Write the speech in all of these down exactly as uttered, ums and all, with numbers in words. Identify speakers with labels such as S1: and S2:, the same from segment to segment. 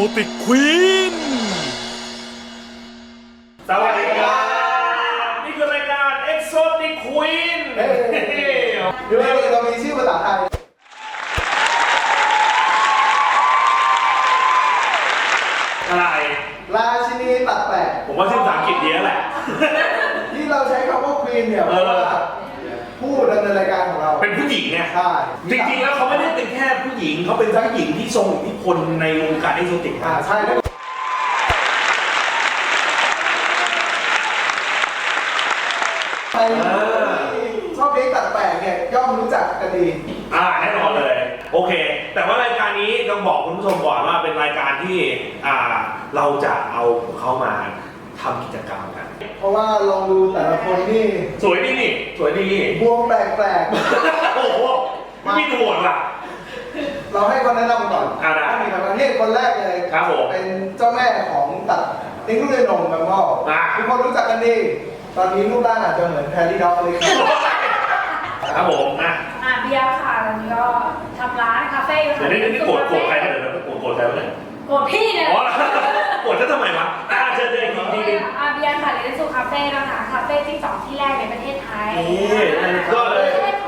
S1: ติกควีน
S2: สวัสดีครับนี่คือรายการ Exotic Queen
S3: ดูให้เรามีชื่อภาษาไทย
S2: อะไร
S3: ราชินีตัดแปะ
S2: ผมว่าชื่อภาษาอังกฤษเยอะแหละ
S3: ที่เราใช้คำว่าควีนเนี่ยเพราะว่าผู้ดำเนินรายการของเรา
S2: เป็นผู้หญิงเนี่ย
S3: ใช่
S2: จริงๆแล้วเขาไม่ได้เป็นแค่ผู้หญิงเขาเป็นทั้งหญิงที่ทรงอิทธิพลในวงการเอ็กโซติก
S3: อ่าใช่แล้วใครชอบเพลงตัดแปะเนี่ยย่อมรู้จักกันดี
S2: อ่าแน่นอนเลยโอเคแต่ว่ารายการนี้ต้องบอกคุณผู้ชมก่อนว่าเป็นรายการที่อ่าเราจะเอาเขามาทำกิจกรรมกัน
S3: เพราะว่าลองดูแต่ละคนนี่
S2: สวยดีนี่สวยดี
S3: บวงแปลก
S2: ๆโอ้โหไม่ดูหมดว่ะ
S3: เราให้คนแนะนำก่อน
S2: อ่าได้
S3: มีครับนี่คนแรกเลย
S2: ครับผม
S3: เป็นเจ้าแม่ของตัดนิ้งลูกเรือนนมบางพ่อทุกคนรู้จักกันดีตอนนี้รูปร่างอาจจะเหมือนแพรรี่ด็อกเลย
S2: ครับผมนะ
S4: อ่ะเบียร์ค่ะตอนนี้ก็ทำร้านคาเฟ่ค่ะ
S2: เดี๋ยวนี้นี่โกรธโกรธใครกันเดี๋ยวโกรธโกรธใครวะเนี่ย
S4: โกรธพี่เนี่ย
S2: อ๋อโกรธฉันทำไมวะอ่าเชิญเชิญทีที
S4: อ่ะเบียร์ค่ะเรนซูคาเฟ่นะคะคาเฟ่ที่สองที่แรกในประเทศไทย
S2: นี่ก็เลย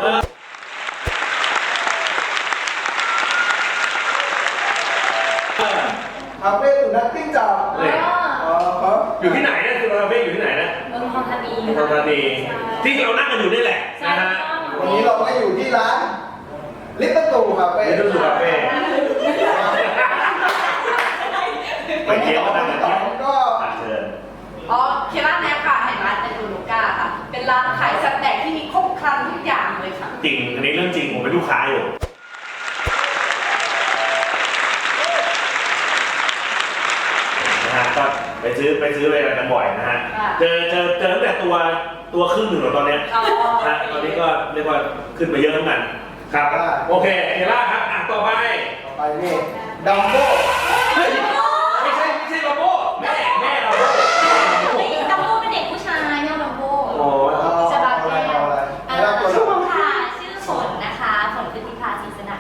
S3: คาเฟ่สุนัขจิ้งจอกอ๋อครับ
S2: อยู่ที่ไหนเนี่ยคือคาเฟ่อยู่ที่ไหนนะ
S4: เมืองทองธานี
S2: เมืองทองธานีที่เรานั่งกันอยู่นี่แหละนะฮะ
S3: วันนี้เราก็อยู่ที่ร้านลิตเติ้ลตูคาเฟ่
S2: ลิตเติ้ลตูคาเฟ่ไปเที่ยวกันนะ
S3: ก็
S2: เชิญ
S5: อ๋อเคร้านแนวค่ะแห่งร้านเตนูลูก้าค่ะเป็นร้านขายสแต็กที่มีครบครันทุกอย่างเลยค่ะ
S2: จริงอันนี้เรื่องจริงผมเป็นลูกค้าอยู่นะฮะก็ไปซื้อไปซื้ออะไรกันบ่อยนะฮะเจอเจอเจอตั้งแต่ตัวตัวครึ่งหนึ่งหรอตอนนี้นะตอนนี้ก็เรียกว่าขึ้นไปเยอะทั้งนั้นครับโอเคเฮล่าครับอ่ะต่อไป
S3: ต่อไปนี่ดัมโบ้
S2: ไม่ใช่ไม่ใช่ดัมโบ้แม่แม่ดัมโบ้
S5: ดัมโบ้เป็นเด็กผู้ชายแม่ดัมโบ้
S2: โอ้
S5: สบายแม่ชื่อค่ะชื่อฝนนะคะฝนคือทิพาศรีสนั่น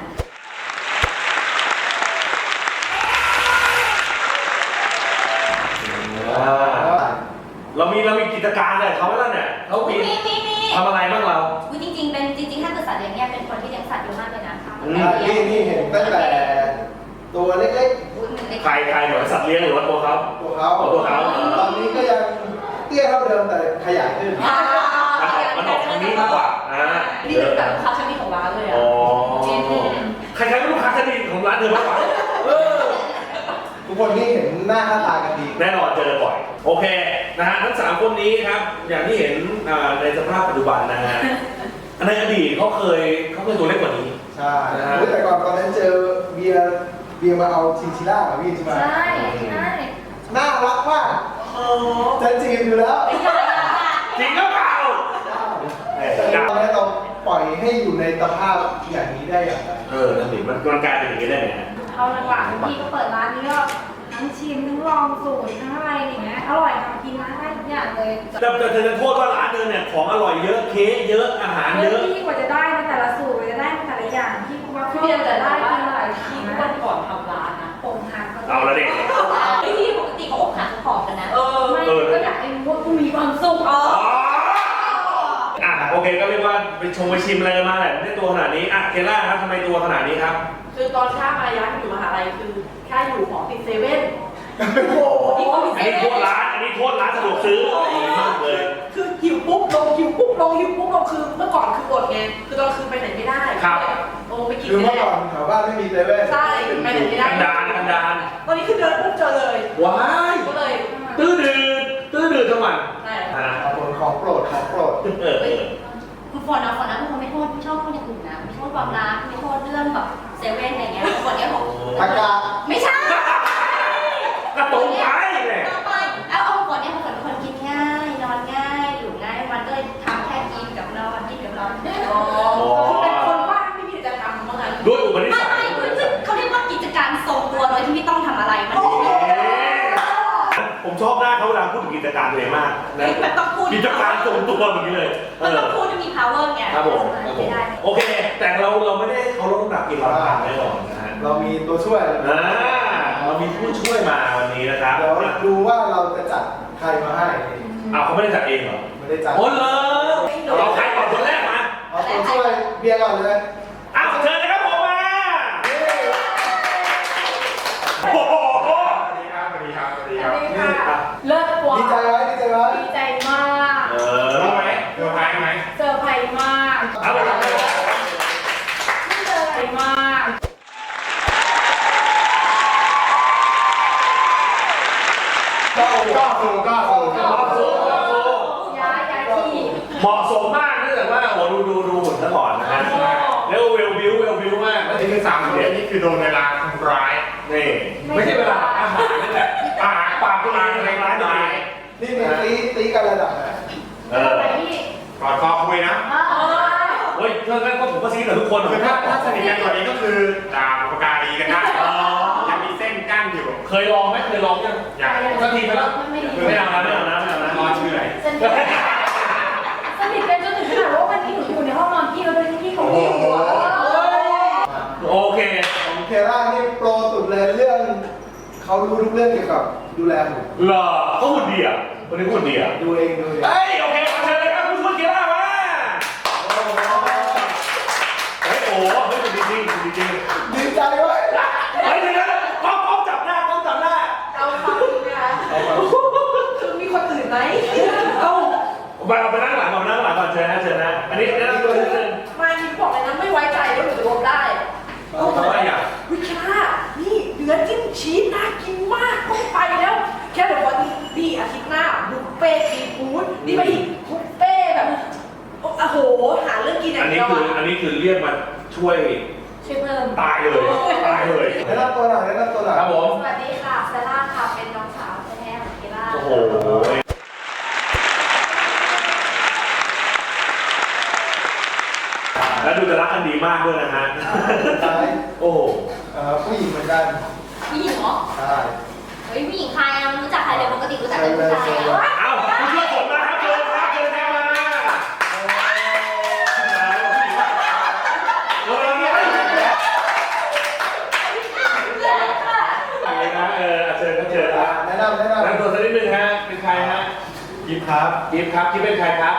S2: เรามีเรามีกิจการเลยเขาไม่แล้วเนี่ยเขามีทำอะไรบ้างเรา
S5: จริงๆเป็นจริงๆถ้าเกิดสัตว์เลี้ยงเนี่ยเป็นคนที่เลี้ยงสัตว์เยอะมากเลยนะ
S3: นี่นี่เห็นตั้งแต่ตัวเล็ก
S2: ๆใครใครเหมือนสัตว์เลี้ยงหรือว่าตัวเขา
S3: ตัวเขา
S2: ตัวเขา
S3: ตอนนี้ก็ยังเตี้ยเท่าเดิมแต่ขยายขึ้น
S2: มันออกทางนี้มากกว่าอ่า
S5: นี่เป็นแบบลูกค้าชั้นดีของร้านเลยอ่ะ
S2: ใครๆก็ลูกค้าชั้นดีของร้านเธอมากกว่า
S3: ทุกคนนี่เห็นหน้าค่าตากันดี
S2: แน่นอนเจอบ่อยโอเคนะฮะทั้งสามคนนี้ครับอย่างที่เห็นในสภาพปัจจุบันนะฮะในอดีตเขาเคยเขาเคยตัวเล็กกว่านี้
S3: ใช่แต่ก่อนตอนนั้นเจอเบียร์เบียร์มาเอาชินชิล่ากับพี่ใช่ไหม
S4: ใช่ใช่
S3: น่ารักมากจะจีบอยู่แล้ว
S2: จริงก็เปล่า
S3: ตอนนี้เราปล่อยให้อยู่ในสภาพอย่างนี้ได้อย่างไร
S2: เออนั่นสิมันมันกลายเป็นอย่างนี้ได้ไง
S4: เอาหลังๆพี่ก็เปิดร้านนี้ก็ทั้งชิมทั้งลองสูตรทั้งอะไรอย่างเงี้ยอร่อยทำกินนะได้ทุกอย่างเลย
S2: แต่แต่เธอจะโทษว่าร้านเธอเนี่ยของอร่อยเยอะเค้กเยอะอาหารเยอะ
S4: พี่กว่าจะได้มาแต่ละสูตรกว่าจะได้มาแต่ละอย่างพี่ว่าพี่จะได้กินหลายทีนะ
S5: วันก่อนทำร้านนะ
S4: ผมหัก
S2: เอาละเด็ก
S5: พี่ปกติเขาอกหักเขาผอมกันนะ
S4: เออไม่ก็อยากให้รู้ว่ากูมีความสุขอ๋อ
S2: อ่ะโอเคก็เรียกว่าไปชมไปชิมอะไรมาแหละได้ตัวขนาดนี้อ่ะเคล่าครับทำไมตัวขนาดนี้ครับ
S5: คือตอนข้ามาย้ายอยู่มหาลัยคือข้าอยู่หอติดเซเว่น
S3: โอ้โห
S2: อันนี้โทษร้านอันนี้โทษร้านสะดวกซื้อมากเลย
S5: คือหิวปุ๊บลงหิวปุ๊บลงหิวปุ๊บลงคือเมื่อก่อนคืออดไงคือตอนคืนไปไหนไม่ได้
S2: ครับ
S5: ลงไปกิน
S3: คือเมื่อก่อนแถวบ้านไม่มีเซเว่น
S5: ใช่ไปไหนไม่ได้
S2: กันดานกันดาน
S5: ตอนนี้คือเดินปุ๊บเจอเลย
S2: ว้าย
S5: ก็เลย
S2: ตื้อดื้อตื้อดื้อทั้งวัน
S5: ใช่
S3: ของโปรดของโปรด
S5: คุณฝนนะฝนนะคุณไม่โทษไม่ชอบคนอย่างอื่นนะไม่โทษความรักไม่โทษเรื่องแบบเซเว่นอะไรเงี้ยฝนเนี่ยผม
S3: อากาศ
S5: ไม่ใช่
S2: กระตุ้นไปเลย
S5: เอาเอาฝนเนี่ยฝนคนกินง่ายนอนง่ายอยู่ง่ายมันก็เลยทำแค่กินกับนอนกินกับนอนคือเป็นคนว่างไม่มีกิจกรรมเมื่อไง
S2: ด้วยอุปนิสัย
S5: เขาเรียกว่ากิจการทรงตัวโดยที่ไม่ต้องทำอะไรมัน
S2: ผมชอบหน้าเขาเวลาพูดถึงกิจการตัวเองมากนะกิจการทรงตัวแบบนี้เลย
S5: มันต้องพูดจะมี power ไง
S2: ครับผมโอเคแต่เราเราไม่ได้เขาลดน้ำหนักกินเราทานแน่นอนนะฮะ
S3: เรามีตัวช่วย
S2: อ่าเรามีผู้ช่วยมาวันนี้นะครับ
S3: เดี๋ยวดูว่าเราจะจัดใครมาให้
S2: อ้าวเขาไม่ได้จัดเองเหรอ
S3: ไม่ได้จัด
S2: โอ้เลยเราใครก่อนคนแรกมา
S3: เอาตัวช่วยเบียร์ก่อนเลย
S2: อ้าวเชิญนะครับผมมาโอ้โห
S1: สวัสดีครับ สวัสดีครับ สวัสดีครับ
S4: นี่ค่ะเลิศกว่า
S3: ดีใจไหมดีใจไหม
S4: ดีใจมาก
S2: เออ
S1: รู้ไหมเซอร์ไพรส์ไหม
S4: เซอร์ไพรส์มาก
S2: เอาไปครับ
S4: ที่เซอร์ไพรส์มาก
S1: ก็ก็สูก็สู
S2: เหมาะสมเหมาะสม
S4: ย้ายย้ายที่
S2: เหมาะสมมากเนื่องจากว่าโอ้ดูดูดูหุ่นซะก่อนนะฮะแล้วเวลบิวเวลบิวมาก
S1: แล้วนี่คือสามคนนี้นี่คือโดนเวลาทำร้าย
S2: นี่ไม่ใช่เวลาอาหารนี่แหละ
S1: ปากปากตัวเองในร้ายตัวเอง
S3: นี่มีตีตีกันระดับไหน
S2: เออ
S4: ไปที่
S1: กอดคอคุยนะ
S4: เออ
S2: เฮ้ยเพื่อนก็ผมก็ซีกับทุกคน
S1: คือถ้าถ้าสนิทกันกว่านี้ก็คือด่าบุปการีกันได้ยังมีเส้นกั้นอยู่
S2: เคยลองไหมเคยลองยัง
S1: อย่าง
S2: สักทีไหมล่ะ
S4: ไม่ดี
S2: ไม่เอานะไม่เอานะไม่เอานะ
S1: รอชื่ออะไร
S4: สนิทสนิทกันจนถึงขนาดว่าวันนี้หนูอยู่ในห้องนอนพี่แล้วด้วยที่เขาไม่อยู่อะ
S2: โอเค
S3: ของเคล่านี่โปรสุดเลยเรื่องเขารู้ทุกเรื่องเกี่ยวกับดูแลหุ่น
S2: เหรอก็หุ่นดีอ่ะวันนี้หุ่นดีอ่ะ
S3: ดูเองดูเอง
S2: เฮ้ยโอเคมาเชิญเลยครับคุณช่วยเกียร์มาเฮ้ยโอ้เฮ้ยจริงจริงจริงจริง
S3: ดีใจเว้ย
S2: เฮ้ยเดี๋ยวกล้องกล้องจับหน้ากล้องจับหน้า
S4: เอาความจริงนะคะคือมีคนอื่นไหมเอา
S2: ไปเอาไปนั่งหลังก่อนนั่งหลังก่อนเชิญนะเชิญนะอันนี้แนะนำตัวนิดนึง
S5: มานี่บอกเลยนะไม่ไว้ใจว่าหนูจะรวมได้
S2: เอาทำไมอ่ะ
S5: วิคานี่เนื้อจิ้มชีสน่ากินมากต้องไปแล้ว แค่บอกว่าดีอาทิตย์หน้าบุฟเฟ่ซีฟู้ดนี่ไปอีกบุฟเฟ่แบบโอ้โหหาเรื่องกินอย่า
S2: อัน
S5: ง
S2: นี้
S5: เดียว
S2: คือ
S5: อะ
S2: อันนี้คือเรียกมาช่วย
S4: ช่วยเพิ่ม
S2: ตายเลยตายเลย
S3: แนะนำตัวหน่อยแนะนำตัวหน่อย
S2: ครับผม
S4: สวัสดีค่ะเซล่าค่ะ เป็นน้องสาวแท้ๆของเกล่า
S2: โอ้โหแล้วดูจะรักกันดีมากด้วยนะฮะ
S3: ท้าย
S2: โอ้โห
S3: เอ่อผู้หญิงเหมือนกัน
S5: ผู้หญิงเหรอ
S3: ใช่
S5: เฮ้ยผู้หญิงใครอะรู้จักใครเลยปกติรู้จักแต่ผู้ชายอะ
S2: เอ้าผู้ช่วยผมมาครับเชิญครับเชิญครับมาเออเนี่ยอะไรนะเออเชิญครับเชิญครับ
S3: แนะนำแนะนำ
S2: แนะนำตัวสักนิดนึงฮะเป็นใครฮะ
S3: ยิปครับ
S2: กิฟครับกิฟเป็นใครครับ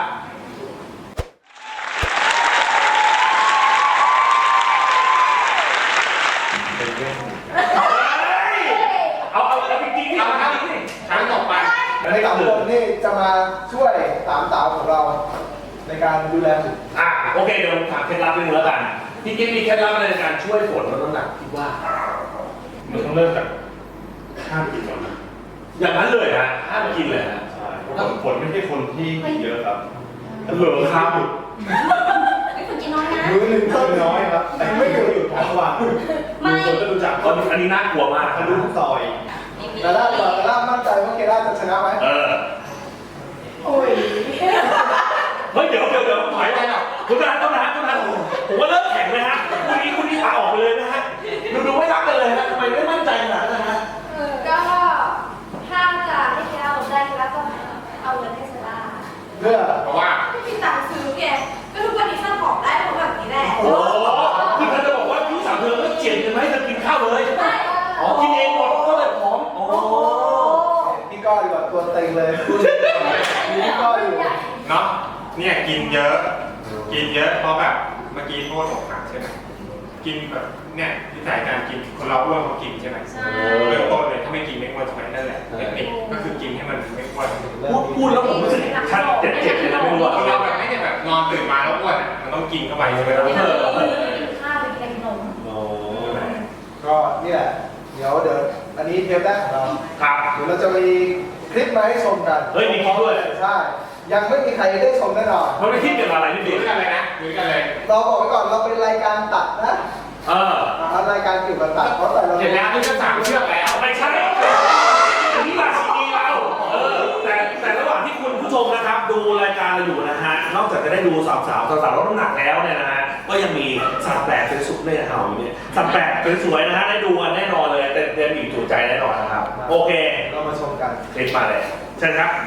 S2: เอาเอาเอาจริงๆนี่
S1: เอา
S2: เอา
S1: ละครับ
S2: จริงๆนี่
S1: ครั้งต่อไป
S3: ในสามคนนี่จะมาช่วยสามสาวของเราในการดูแลหุ่น
S2: อ่ะโอเคเดี๋ยวผมถามเคล็ดลับนิดนึงแล้วกันพี่กิ๊ฟมีเคล็ดลับอะไรในการช่วยฝนลดน้ำหนักคิดว่า
S1: มันต้องเริ่มจากห้ามกินก่อนนะ
S2: อย่างนั้นเลยฮะห้ามกินเลยฮะ
S1: ใช่เพราะฝนไม่ใช่คนที่กินเยอะครับ
S2: เหลือครับ
S5: ไม่ควรกินน้อยนะ
S3: มือหนึ่ง
S1: กินน้อยครับแต่ไม่อยู่อยู่ทั้งวัน
S5: ไม่
S2: คนก็รู้จักคนอันนี้น่ากลัวมาก
S1: ทะลุซอย
S5: ไม่มี
S3: แต่ล่าแต่ล่ามั่นใจว่าเคล่าจะชนะไหม
S2: เออ
S4: โอ้ย
S2: เฮ้ยเดี๋ยวเดี๋ยวเดี๋ยวถอยไปอ่ะคุณนายต้องนะคุณนายผมว่าเลิกแข่งเลยฮะคุณนี้คุณนี้ลาออกไปเลยนะฮะดูดูไม่รักกันเลยฮะทำไมไม่มั่นใจขนาดนั้นนะฮะ
S4: ก็ถ้าจะให้เกล่าลงได้เกล่าก็เอาเงินให้เซล่า
S3: เพื่อ
S1: เพราะว่า
S5: ไม่มีตังค์ซื้อไงก็ทุกวันนี้สร้างของได้เพราะแบบนี้แหละ
S2: โอ้โหคือเธอจะบอกว่าพี่สาวเธอก็เจียนกันไหมเธอกินข้าวเลยอ๋อกินเองหมดก็เลยผอมโอ้
S3: พี่ก้อยดีกว่าตัวเต็งเลยคุณมีพี่ก้อยอยู่
S1: เนาะเนี่ยกินเยอะ กินเยอะเพราะแบบเมื่อกี้โทษอกหักใช่ไหมกินแบบเนี่ยที่สายการกินคนเราอ้วนเขากินใช่ไหม
S4: ใช่
S1: เริ่มต้นเลยถ้าไม่กินไม่อ้วนใช่ไหมนั่นแหละเทคนิคก็คือกินให้มันไม่อ้วน
S2: พูดพูดแล้วผมรู้สึกชัดเจ็บเจ็บเลยนะไม่รู้ว่า
S1: คนเราแบบไม่ได้แบบนอนตื่นมาแล้วอ้วนอะมันต้องกินเข้าไปใช่ไหม
S4: ไม่
S1: ครับ
S4: ได้กินข้าวไปกินขนม
S2: โอ้
S3: ก็นี่แหละ เดี๋ยวเดี๋ยวอันนี้เทปแรกของเรา
S2: ครับ
S3: เดี๋ยวเราจะมีคลิปมาให้ชมกัน
S2: เฮ้ยมีคลิปด้วย
S3: ใช่ ยังไม่มีใครได้ชมแน่นอน
S2: มันไม่คิดเกี่ยวกับอะไรพี่
S1: ดู
S2: บิ๊ก
S1: กันเลยนะดูกันเลย
S3: เราบอกไว้ก่อนเราเป็นรายการตัดนะ
S2: เออ
S3: อ่ารายการเกี่ยวกับตัดเพราะแต่เรา
S1: เห็นแล้วนี่ก็สามเชือกแล้ว
S2: ไม่ใช่อันนี้ราชินีเราเออแต่แต่ระหว่างที่คุณผู้ชมนะครับดูรายการเราอยู่นะฮะนอกจากจะได้ดูสาวสาวสาวสาวลดน้ำหนักแล้วเนี่ยนะฮะก็ยังมีสัตว์แปลกเป็นสุดเนี่ยเห่าอยู่เนี่ยสัตว์แปลกเป็นสวยนะฮะได้ดูกันแน่นอนเลยเต็มเต็มอิ่มจุใจแน่นอนนะครับโอเค
S3: เรามาชมกัน
S2: คลิปมาเลยเชิญครับ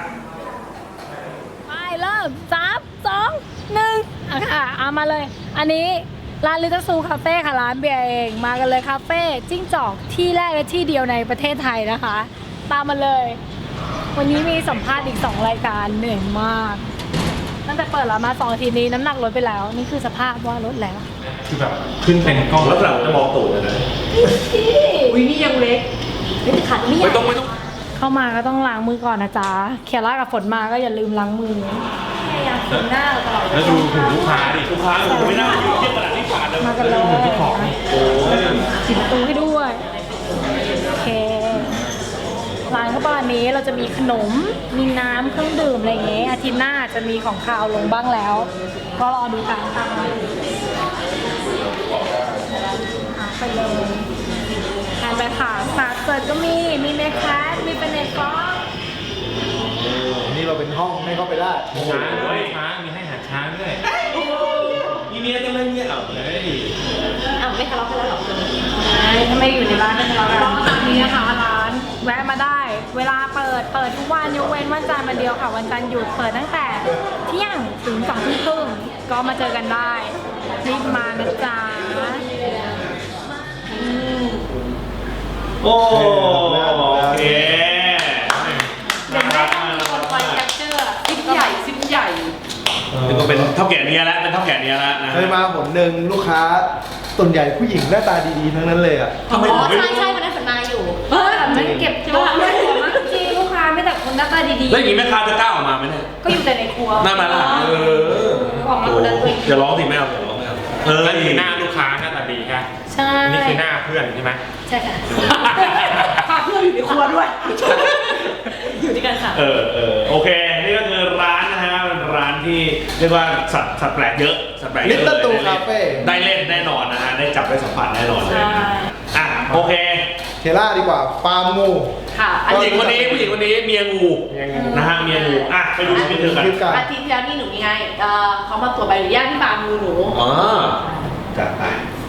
S6: ไปเริ่มสามสองหนึ่งอ่ะค่ะเอามาเลย อันนี้
S4: ร้านลิตเติ้ลซูคาเฟ่ค่ะร้านเบียร์เองมากันเลยคาเฟ่จิ้งจอกที่แรกและที่เดียวในประเทศไทยนะคะ ตามมาเลย วันนี้มีสัมภาษณ์อีกสองรายการเหนื่อยมากตั้งแต่เปิดร้านมาสองอาทิตย์นี้น้ำหนักลดไปแล้ว นี่คือสภาพว่าลดแล้ว
S1: คือแบบขึ้นเป็นกล้อง
S2: ลักษณะจะมองตูดเลยนะ
S5: วินี่ยังเล็ก
S4: ไม่ขัดไม่
S1: ไม่ต้องไม่ต้อง
S4: เข้ามาก็ต้องล้างมือก่อนนะจ๊ะเคียร่ากับฝนมาก็อย่าลืมล้างมือพยายามฝึกหน้าตลอด
S1: แล้วดูถึงลูกค้าดิ
S2: ลูกค้าผมไม่น่ายืนเทียบขนาดที่ผ่านเลย
S4: มากันเลย
S1: ที่ของ
S2: โอ้ย
S4: ปิดประตูให้ด้วยโอเคร้านก็ประมาณนี้เราจะมีขนมมีน้ำเครื่องดื่มอะไรอย่างเงี้ยอาทิตย์หน้าจะมีของคาวลงบ้างแล้ว ก็รอดูกันค่ะหาไปเลยทานไปค่ะสาเกิดก็มีมีเมคแคสมีเป็นเนฟอ
S3: นี่เราเป็นห้องให้เข้าไปได้
S1: ช้างด้วยช้างมีให้อาหารช้างด้วย
S2: มีเมียจะไม่เมียเอา
S1: เฮ้ย
S5: อ้าวไม่ทะเลาะกันแล้วหรอ
S4: ถ้าไม่อยู่ในร้านก็ทะเลาะกันตามนี้นะคะร้านแวะมาได้ เวลาเปิดเปิดทุกวันยกเว้นวันจันทร์วันเดียวค่ะวันจันทร์หยุดเปิดตั้งแต่เที่ยงถึงสองทุ่มครึ่งก็มาเจอกันได้รีบมานะจ๊ะ
S2: โอ้โอเค
S4: เดี๋ยวแม่ต้องมีคนคอยแคปเจอร์
S5: ซิปใหญ่ซิปใหญ่
S2: นี่ก็เป็นเท่าแก่เนี้ยแล้วเป็นเท่าแก่เนี้ยแล้วนะ
S3: เคยมาผลหนึ่งลูกค้าส่วนใหญ่ผู้หญิงหน้าตาดีๆทั้งนั้นเลยอ่ะ
S2: ทำไม
S6: อ๋
S2: ผม
S6: อ
S2: ไม่
S6: ใช่ใช่วันนั้นฝนมาอยู่
S4: เออแต่ไม่เก็บตัวไม่หัวมากที่ลูกค้าไม่แต่คนหน้าตาดี
S2: แล้วอย่างนี้แม่ค้าจะกล้าออกมาไหมเนี่ย
S4: ๆก็อยู่แต่ในครัว
S2: หน้ามาละเออ
S4: ออกมาคนละตัว
S2: อย่าร้องสิแม่เอาอย่าร้องแม่เอาเออ
S1: นั่นคือหน้าลูกค้าหน้าตาดีค่ะ
S4: ใช่
S1: นี่คือหน้าเพื่อนใช่ไหม
S4: ใช่ค่ะ
S5: พาเพื่อนอยู่ในครัวด้วย อยู่ด้วยกันค่ะ
S2: เออเออโอเค นี่ก็คือร้านนะฮะเป็นร้านที่เรียกว่าสัตว์สัตว์แปลกเยอะสัตว์แปลกเยอะ
S3: Little
S2: เลย
S3: Zoo Cafe
S2: ได้เล่นแน่นอนนะฮะได้จับได้สัมผัสแน่นอนเลย
S4: ใช่
S2: อ่ะโอเค
S3: เทล่าดีกว่าฟาร์มงู
S5: ค่ะ
S2: ผู้หญิงคนนี้ผู้หญิงคนนี้เมียงู
S3: เมียงู
S2: นะฮะเมียงูอ่ะไปดูคลิปเธอกัน
S3: คลิปกัน
S5: อาทิตย์ที่แล้วนี่หนูมีไงเอ่อเขามาตรวจใบอนุญาตที่ฟาร์มงูหนู
S2: อ๋อจัดไป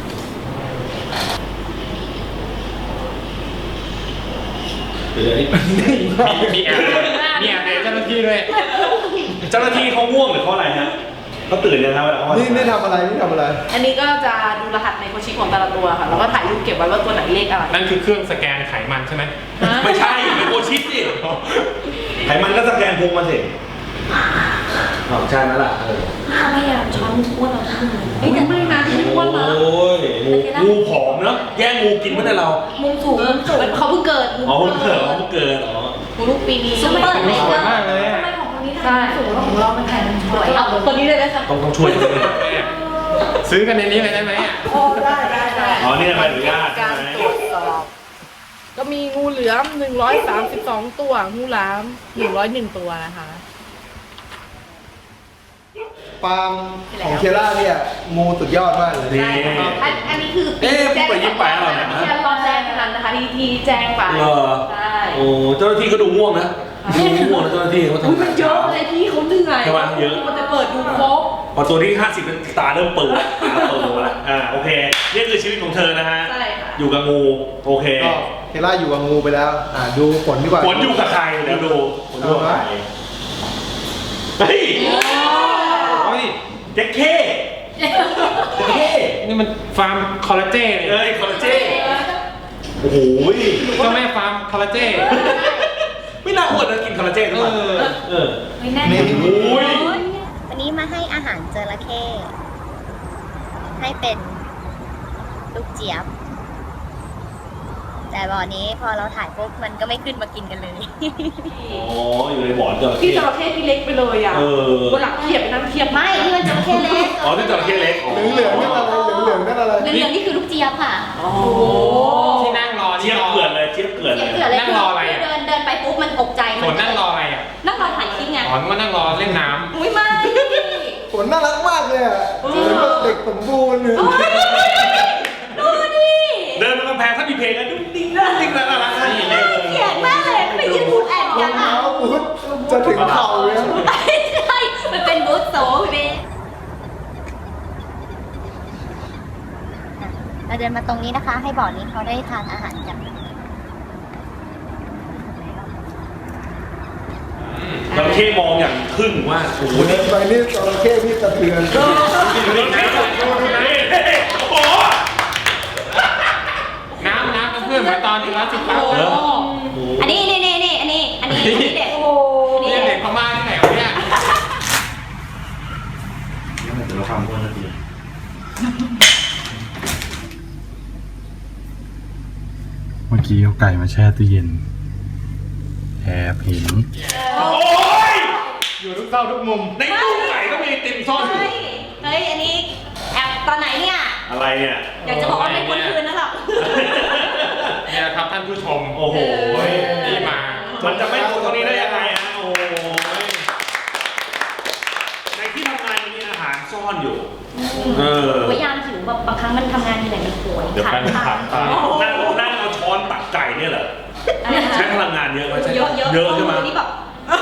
S2: เดี๋ยวนี้
S1: มีมีแอบมีแอบในเจ้าหน้าที่ด้วย
S2: เจ้าหน้าที่เขาง่วงหรือเขาอะไรฮะเขาตื่นยังครับเวลาเขา
S3: นี่นี่ทำอะไรนี่ทำอะไร
S5: อันนี้ก็จะดูรหัสในโคชิของแต่ละตัวค่ะ แล้วก็ถ่ายรูปเก็บไว้ว่าตัวไหนเลขอะไร
S1: นั่นคือเครื่องสแกนไขมันใช่ไหม
S2: ไม่ใช่เป็นโอชิปสิไขมันก็สแกนพุงมาสิอ๋อใช่ไหมล่ะเออ
S4: อะไรอ่ะช้อนอ้วนเราทั้งมือ
S5: เฮ้ยแต่ไม่นะที่ไม่อ้วนนะ
S2: โอ้ยงูงูผอมเนอะแย่งงูกินไม่ได้เรา
S4: มุมสูง
S5: เออเขาเพิ่งเกิด
S2: อ๋อเพิ่งเกิดอ๋อเพิ่งเกิดอ๋อ
S5: งูลูกปีนี้
S6: ซุปเปอร์
S1: สวยมากเลย
S4: ทำ
S1: อะ
S4: ไมของคนนี้ถ่ายสูงแล้วของเรามันถ่ายมันสวย
S5: เอาตัวนี้เลยไหมคะ
S2: ต้องต้องช่วยด้วย
S1: ซื้อกันในนี้เลยได้ไหมอ่ะ
S5: โอ้ได้ได้ได้
S2: อ๋อนี่ใบอนุญาตใช่
S5: การ
S2: ไหม
S5: ตรวจสอบก็มีงูเหลือมหนึ่งร้อยสามสิบสองตัว งูหลามหนึ่งร้อยหนึ่งตัวนะคะ
S3: ฟาร์มของเทล่าเนี่ยงูสุดยอดมากเลย
S2: นี่
S5: อันอันนี้คือ
S2: เอ๊ะพูดไปยิ้มไปอะไรเนี่ย
S5: แค่ตอนแจ้งเท่านั้นนะคะที่ที่แจ้งไป
S2: เหรอ
S5: ใช่
S2: โอ้เจ้าหน้าที่ก็ดูง่วงนะดูง่วงนะเจ้าหน้าที่เขา
S5: อุ๊ย
S2: ทำ
S5: มันเยอะเลยพี่เขาเหนื่อย
S2: ใช่ไหมเยอะ
S5: มันจะเปิดดูครบ
S2: พอตัวที่ห้าสิบตาเริ่มเปิดตาเปิดแล้วอ่าโอเคนี่คือชีวิตของเธอนะฮะ
S5: ใช่ค่ะ
S2: อยู่กับงูโอเค
S3: ก็เทล่าอยู่กับงูไปแล้ว อ่าดูผลดีกว่า
S2: ผลอยู่กับใครเดี๋ยวดูผลอยู่กับใครเฮ้ย
S1: เฮ้ย
S2: เจ๊กเข้เจ๊กเข้
S1: นี่มันฟาร์มคอลลาเจน
S2: เอ้ยคอลลาเจนโอ้โห
S1: เจ้าแม่ฟาร์มคอลลาเจน
S2: ไม่น่าอวดนะกินคอลลาเจนทุกวัน
S1: เออ
S2: เออ
S4: ไม่แน่
S3: นี่
S2: โอ้ย
S6: วันนี้มาให้อาหารจระเข้ให้เป็นลูกเจี๊ยบ แต่บ่อนี้พอเราถ่ายปุ๊บมันก็ไม่ขึ้นมากินกันเลย
S2: อ๋ออยู่ในบ่อจระ
S5: พี่
S2: เข้
S5: จระเข้พี่เล็กไปเลยอ่ะ
S2: เออ
S5: วันหลังเทียบไปนั่งเทียบ
S6: ไม่นี่มันจระเข้เล็ก
S2: อ๋อนี่จระเข้เล็กอ๋อ
S3: เหลืองๆนั่นอะไรเหลืองๆนั่นอะไร
S6: เหลืองๆนี่คือลูกเจี๊ยบค่ะ
S5: โอ้โห
S1: ที่นั่งรอ
S2: เจี๊ยบ
S1: รอ
S2: เกลือนเลยเจี๊ยบเกลือนเลย
S6: เกิดอะไร
S1: นั่งรออะไรอะ
S6: เดินเดินไปปุ๊บมันตกใจ
S1: ฝนนั่งรออะไรอ่ะ
S6: นั่งรอถ่ายคลิปไง
S1: อ๋อนึกว่านั่งรอเล่นน้
S6: อุ้ยไม่
S3: ผลน่ารักมากเลยอ่ะเหมือนแบบเด็กสมบูรณ์เลย
S6: ดูดิ
S2: เดินมากำแพงถ้ามีเพลงกันดุ๊งดิ้งดุ๊งดิ้งน่ารักนี่เลย
S6: เกลียดมากเลยไม่ยืนพูดแอบ
S3: ร
S6: กั
S3: อน ง
S6: อ่ะ
S3: เท้าบูทจะถึงเข่าเลยอะ
S6: ใช่มันเป็นบูธโซ่เว้ยเราเดินมาตรงนี้นะคะ ให้บ่อนี้เขาได้ทานอาหารกัน
S2: จระเข้มองอย่างทึ่งว่าโอ้โห
S3: เดินไปนี่จระเข้นี่สะเทือน
S2: ดูนะดูนะ
S1: ไปตอนนี้แล้วสิบแปด
S6: โอ้
S1: แล้ว
S6: อันนี้นี่นี่นี่อันนี้อันนี้อันนี้เด็ด
S5: โอ้โห
S6: นี่
S1: นี่
S6: เด็
S1: เด็
S6: ด
S1: กพม่าที่ไหนวะเนี่ย
S2: เดี๋ยวเราทำคนละที
S7: เมื่อกี้เอาไก่มาแช่ตู้เย็นแอบเห็น
S2: โอ้ย
S1: อยู่ทุกเต้าทุกมุม
S2: ในตู้ไก่ก็มีติ่มซ่อนอยู่
S6: เฮ้ยเฮ้ยอันนี้แอบตอนไหนเนี่ย
S2: อะไรเนี่ย
S6: อยากจะบอกว่าไม่ควรคืนนะหรอก
S1: เนี่ยครับท่านผู้ชม
S2: โอ้โห
S1: นี่มา
S2: มันจะไม่ดูตรงนี้ได้ยังไงฮะโอ้โหในที่ทำงานมีอาหารซ่อนอยู่ เออ
S6: พยายามหิวแบบบางครั้งมันทำงานเหนื่อยมันป่วย
S1: เดี๋ยว
S6: ขา
S1: ไป
S6: ด
S1: มัน
S6: ขา
S1: ขั
S6: ด
S1: บตา
S2: นั่งนั่งเอาช้อนตักไก่เนี่ยเหรอ
S6: อะไรนะ
S2: ใช้พลังงานเยอะไหมใช่
S6: เยอะเยอะ
S2: เยอะใช่ไหม
S6: นี่แบบ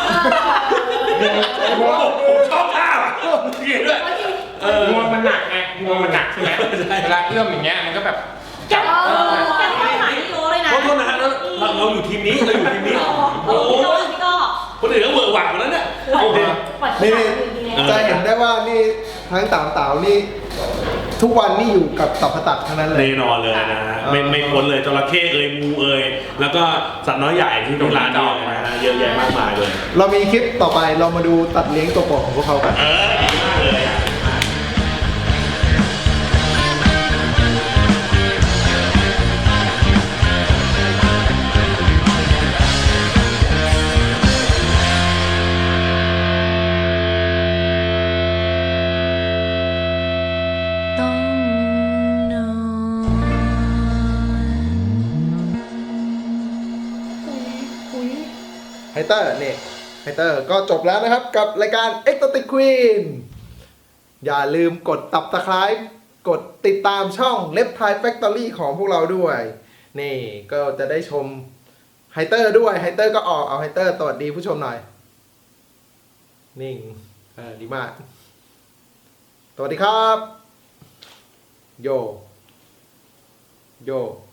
S2: โอ้โหผมชอบท่าอ่ะเกลียดด้วยเออ
S1: งวงมันหนักไงงวงมันหนักใช่ไหมเวลาเอื้อมอย่างเงี้ยมันก็แบบจับ
S6: เออแค่เข้าหานี่โลเลยนะ
S2: ขอโทษนะฮะแล้วเราเราอยู่ทีมนี้เราอยู่ทีมนี้
S6: โอ้
S2: โอ้
S6: โห
S2: โห
S6: พี่ก็
S2: คนอื่นก็เวอร์หวังหมดแล้วเนี่ยโอเค
S3: นี่จะเห็นได้ว่านี่ทั้งเต่าเต่านี่ ทุกวันนี่อยู่กับสัพพตัดทั้งนั้นเลย
S2: แน่นอนเลยนะฮะไม่ไม่พ้นเลยจระเข้เอ่ยงูเอ่ยแล้วก็สัตว์น้อยใหญ่ที่ที่ร้านนี้นะฮะเยอะแยะมากมายเลย
S3: เรามีคลิปต่อไปเรามาดูตัดเลี้ยงตัวโปรดของพวกเขากัน
S2: เออดีมากเลยอ่ะ
S3: ไฮเตอร์นี่ไฮเตอร์ก็จบแล้วนะครับกับรายการ Exotic Queen อย่าลืมกดตับตะไคร้กดติดตามช่อง Left Thai Factory ของพวกเราด้วย นี่ก็จะได้ชมไฮเตอร์ด้วยไฮเตอร์ก็ออกเอาไฮเตอร์สวัสดีผู้ชมหน่อย นิ่งเออดีมาก สวัสดีครับ โย โย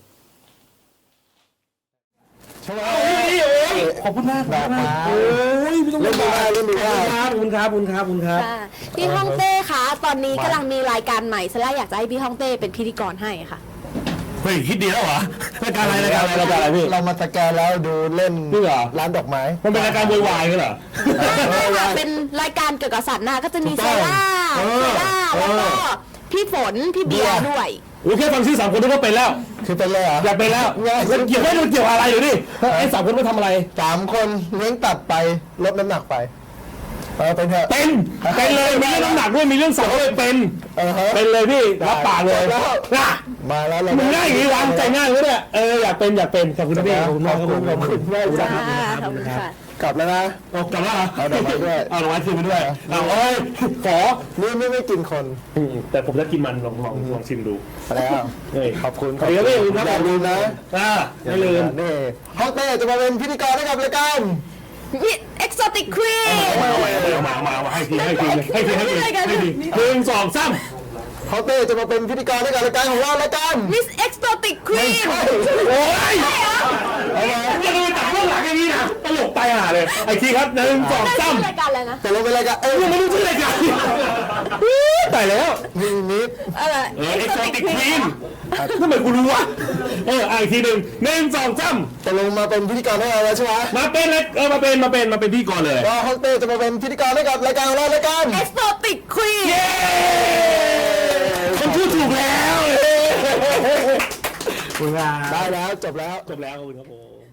S2: ขอบคุณมาก
S3: ดอกไม้
S2: โอ้ยไม่ต้อง
S3: เล่นดีมากเล่นดีมาก
S2: ขอบคุณครับขอบคุณครับขอบคุณครับ
S8: ค่ะพี่ฮ่องเต้คะตอนนี้กำลังมีรายการใหม่ซะแล้วอยากจะให้พี่ฮ่องเต้เป็นพิธีกรให้ค่ะ
S2: เฮ้ยคิดดีแล้วเหรอรายการอะไรรายการอะไรรายการอะไรพี่
S3: เรามาสแกนแล้วดูเล่น
S2: จริงเหรอ
S3: ร้านดอกไม้
S2: มันเป็นรายการโวยวายกันเหรอ
S8: เป็นรายการเกี่ยวกับสัตว์นาก็จะมี
S2: ถู
S8: เซ
S2: กต้อง
S8: ล่า
S2: เอ
S8: เซ
S2: อ
S8: ล่าแล้วก็
S2: เออ
S8: พี่ฝนพี่เบียร์ด้วย
S2: โอเคฟังชื่อสามคนนี้ก็เป็นแล้ว
S3: คือเป็นเลยเหรอ
S2: อยากเป็นแล้วมันเกี่ยวไม่รู้เกี่ยวอะไรอยู่ดิไอ้สามคนไม่ทำอะไร
S3: สามคนเลี้ยงตัดไปลดน้ำหนักไปเออเป็นเถอะ
S2: เป็นเป็นเลยมีเรื่องน้ำหนักด้วยมีเรื่องสาวด้วยเป็น
S3: เออฮะ
S2: เป็นเลยพี่รับปากเลย
S3: แล้ว
S2: นะ
S3: มาแล้วเรา
S2: มึงง่ายอย่างนี้วางใจง่ายเลยเนี่ยเอออยากเป็นอยากเป็นขอบคุณพี่ขอบคุณมากครับผม
S3: ขอบคุณมาก
S2: ขอบคุณ
S8: ค่ะ
S2: ครับ
S8: ขอบคุณค่ะ
S3: กลับแล้วนะ
S2: เอากลับแล้วเหรอ
S3: เอาดอกไม้ด้วย
S2: เอาดอกไม้คืนไปด้วยเอาเอ้ยขอ
S3: นี่ไม่ไม่กินคน
S2: แต่ผมจะกินมันลองลองลองชิมดู
S3: ไปแล้ว
S2: เฮ้ย
S3: ขอบคุณ
S2: ขอบคุณครับพี่
S3: อย่าลืมนะ
S2: อ่าไม่ลืม
S3: นี่ฮ่องเต้จะมาเป็นพิธีกรให้กับรายการ
S8: มิสเอ็กโซติกควีน
S2: มามามามาให้ทีให้ทีให้ทีให้ทีให้ทีหนึ่งสองสาม
S3: ฮ่องเต้จะมาเป็นพิธีกรให้กับรายการของเรารายการ
S8: มิสเอ็กโซติกควีน
S2: โอ้ยจะดูจากเบื้องหลังอย่างนี้นะตลกไปห่าเลยไอ้ทีครับหนึ่งสองสาม
S8: รายการอะไรนะ
S3: แต่เราเป็นรายการเอ้ย
S2: ยังไม่รู้ชื่อรายการตายแล้ว
S3: นี่นิด
S8: อะไร
S2: เออเอ็กโซติกควีนทำไมกูรู้วะเอออีกทีหนึ่งหนึ่งสองสาม
S3: ตกลงมาเป็นพิธีกรให้เราแล้วใช่ไหม
S2: มาเป็นเลยเออมาเป็นมาเป็นมาเป็นพี่ก่อนเลย
S3: ก็ฮ่องเต้จะมาเป็นพิธีกรให้กับรายการของเรารายการ
S8: เอ็กโซติกควีน
S2: เย้คนพูดถูกแล้ว
S3: ได้แล้วจบแล้ว
S2: จบแล้วขอบคุณครับผม